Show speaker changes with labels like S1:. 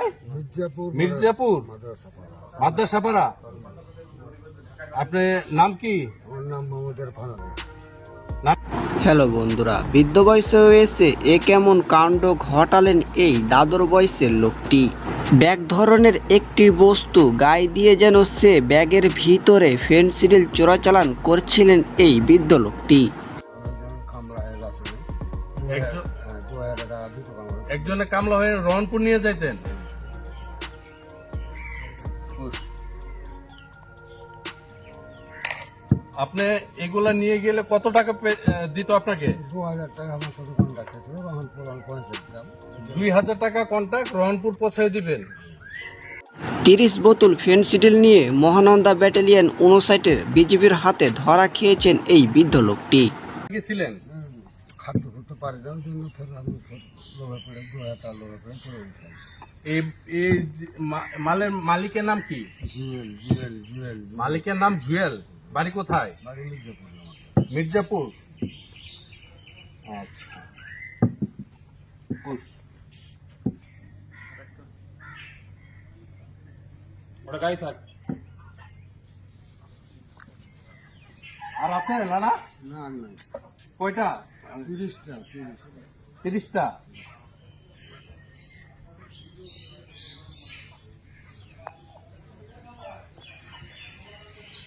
S1: মির্জাপুর মাদ্রাসাপাড়া। আপনার নাম কি?
S2: হ্যালো বন্ধুরা, বৃদ্ধ বয়সে হয়েছে এ কেমন কাণ্ড ঘটালেন এই দাদর বয়সের লোকটি। ব্যাগ ধরনের একটি বস্তু গায়ে দিয়ে যেন সে ব্যাগের ভিতরে ফেনসিডিল চোরাচালান করছিলেন এই বৃদ্ধ লোকটি।
S1: একজনে কামলা হয়ে রহনপুর নিয়ে যাইতেন। আপনি এগুলা নিয়ে গেলে কত টাকা দিত আপনাকে?
S3: 2000 টাকা আমার সাথে কন্ট্যাক্ট ছিল, রহনপুর আমি পৌঁছে দিলাম।
S1: 2000 টাকা কন্ট্রাক্ট, রহনপুর পৌঁছে দিবেন।
S2: 30 বোতল ফেনসিডিল নিয়ে মহানন্দা ব্যাটালিয়ন 59-এর বিজিবির হাতে ধরা খেয়েছেন এই বৃদ্ধ লোকটি।
S1: ছিলেন
S3: খাদ্য করতে পারি না, ওই জন্য ফের আমি লোভে পড়ে 2000 টাকা লোভে পড়ে চলে গেছিলাম।
S1: এই মালের মালিকের নাম কি?
S3: জুয়েল।
S1: মালিকের নাম জুয়েল। বাড়ি কোথায়?
S3: বাড়ি মির্জাপুর।
S1: মির্জাপুর। আচ্ছা। ওটা গাড়ি থাক। আর আছে না?
S3: না
S1: কয়টা?
S3: 30টা।
S1: 30টা।